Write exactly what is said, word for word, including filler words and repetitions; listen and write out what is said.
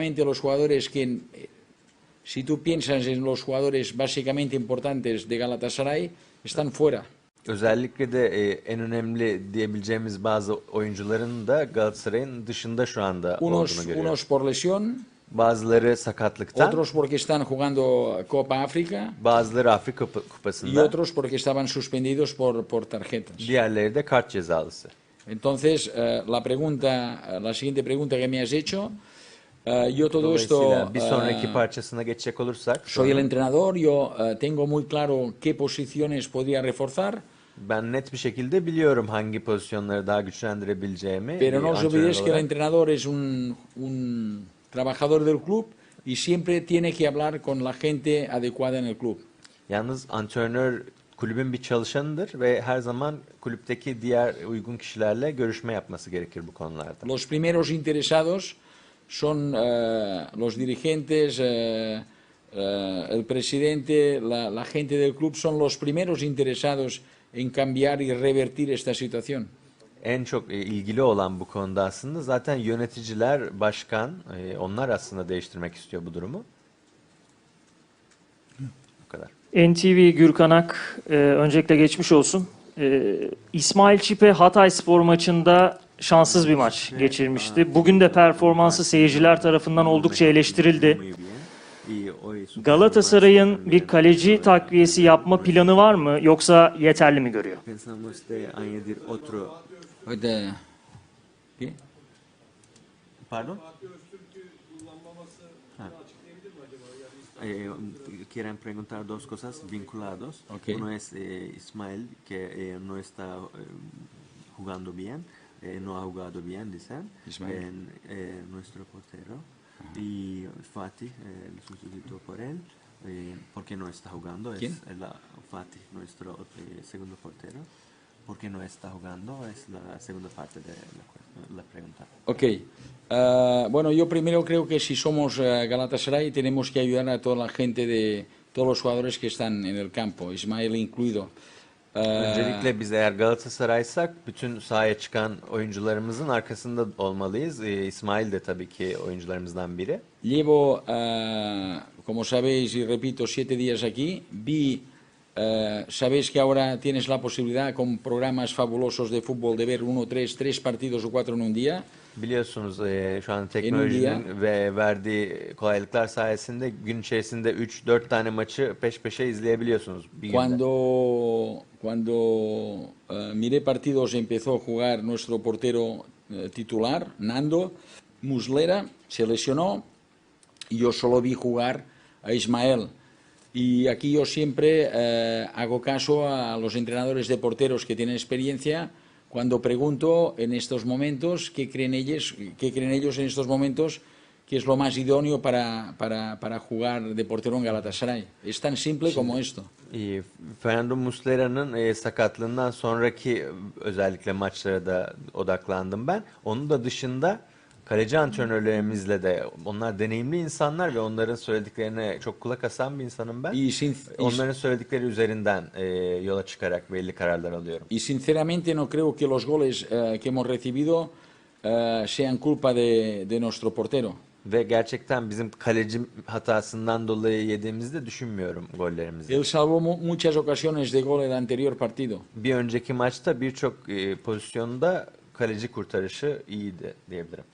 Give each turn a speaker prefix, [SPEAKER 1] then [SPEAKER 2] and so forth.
[SPEAKER 1] Los jugadores que, si tú piensas en los jugadores básicamente importantes de Galatasaray, están fuera.
[SPEAKER 2] Özellikle de e, en önemli diyebileceğimiz bazı oyuncuların da Galatasaray'ın dışında şu anda
[SPEAKER 1] Unos,
[SPEAKER 2] olduğunu görüyoruz.
[SPEAKER 1] unos por lesión,
[SPEAKER 2] Bazıları sakatlıktan,
[SPEAKER 1] otros porque están jugando Copa África
[SPEAKER 2] bazıları Afrika Kupa-
[SPEAKER 1] y
[SPEAKER 2] Kupası'nda,
[SPEAKER 1] otros porque estaban suspendidos por, por tarjetas.
[SPEAKER 2] diğerleri de kart cezalısı.
[SPEAKER 1] Entonces, eh, la pregunta, la siguiente pregunta que me has hecho, eh, yo todo esto,
[SPEAKER 2] Dolayısıyla bir sonraki
[SPEAKER 1] eh,
[SPEAKER 2] parçasına geçecek olursak,
[SPEAKER 1] soy el entrenador, yo eh, tengo muy claro qué posiciones podría reforzar,
[SPEAKER 2] ben net bir şekilde biliyorum hangi pozisyonları daha güçlendirebileceğimi.
[SPEAKER 1] pero
[SPEAKER 2] bir
[SPEAKER 1] no os
[SPEAKER 2] antrenör
[SPEAKER 1] olvidéis que el
[SPEAKER 2] olarak.
[SPEAKER 1] entrenador es un, un trabajador del club y siempre tiene que hablar con la gente adecuada en el club.
[SPEAKER 2] Yalnız antrenör kulübün bir çalışanıdır ve her zaman kulüpteki diğer uygun kişilerle görüşme yapması gerekir bu konularda.
[SPEAKER 1] Los primeros interesados son eh, los dirigentes, eh, eh, el presidente, la, la gente del club son los primeros interesados en cambiar y revertir esta situación.
[SPEAKER 2] En çok e, ilgili olan bu konuda aslında zaten yöneticiler, başkan, e, onlar aslında değiştirmek istiyor bu durumu. Bu kadar.
[SPEAKER 3] N T V Gürkan Ak, e, öncelikle geçmiş olsun. E, İsmail Çipe Hatayspor maçında şanssız bir maç geçirmişti. Bugün de performansı seyirciler tarafından oldukça eleştirildi. Galatasaray'ın bir kaleci takviyesi yapma planı var mı, yoksa yeterli mi görüyor?
[SPEAKER 4] Pensamos de añadir otro.
[SPEAKER 1] Ahorita, ¿qué?
[SPEAKER 2] Pardon?
[SPEAKER 4] Eh, quieren preguntar dos cosas vinculados.
[SPEAKER 1] Ok.
[SPEAKER 4] Uno es eh, Ismael, que eh, no está eh, jugando bien, eh, no ha jugado bien, dicen.
[SPEAKER 1] Ismael.
[SPEAKER 4] En, eh, nuestro portero. Y Fatih, eh, el sustituto por él, eh, porque no está jugando.
[SPEAKER 1] ¿Quién?
[SPEAKER 4] Es la, Fatih, nuestro eh, segundo portero. Porque no está jugando, es la segunda parte de la, la pregunta.
[SPEAKER 1] Ok. Eh, bueno, yo primero creo que si somos eh, Galatasaray tenemos que ayudar a toda la gente de todos los jugadores que están en el campo, Ismael incluido. Eh,
[SPEAKER 2] Öncelikle biz eğer Galatasaray'sak bütün sahaya çıkan oyuncularımızın arkasında olmalıyız. E, İsmail de tabii ki oyuncularımızdan biri.
[SPEAKER 1] Llevo, eh, como sabéis y repito, siete días aquí. Vi, eh, sabéis que ahora tienes la posibilidad con programas fabulosos de fútbol de ver uno, tres, tres partidos o cuatro en un día.
[SPEAKER 2] Biliyorsunuz e, şu an
[SPEAKER 1] En un
[SPEAKER 2] teknolojinin ve verdiği kolaylıklar sayesinde gün içerisinde üç dört tane maçı peş peşe izleyebiliyorsunuz bir günde.
[SPEAKER 1] Cuando, cuando eh, miré partidos empezó a jugar nuestro portero eh, titular, Nando Muslera, se lesionó y yo solo vi jugar a Ismael. Y aquí yo siempre eh, hago caso a los entrenadores de porteros que tienen experiencia cuando pregunto en estos momentos qué creen ellos, qué creen ellos en estos momentos que es lo más idóneo para, para, para jugar de portero en Galatasaray. Es tan simple como esto.
[SPEAKER 2] E, Fernando Muslera'nın e, sakatlığından sonraki özellikle maçlara da odaklandım ben. Onun da dışında kaleci antrenörlerimizle de, onlar deneyimli insanlar ve onların söylediklerine çok kulak asan bir insanım ben.
[SPEAKER 1] Y, sin,
[SPEAKER 2] Onların söyledikleri üzerinden e, yola çıkarak belli kararlar alıyorum.
[SPEAKER 1] y sinceramente no creo que los goles eh, que hemos recibido eh, sean culpa de, de nuestro portero.
[SPEAKER 2] Ve gerçekten bizim kaleci hatasından dolayı yediğimizi de düşünmüyorum gollerimizi.
[SPEAKER 1] Él salvó mu muchas ocasiones de gol el anterior partido.
[SPEAKER 2] Bir önceki maçta birçok e, pozisyonda kaleci kurtarışı iyiydi diyebilirim.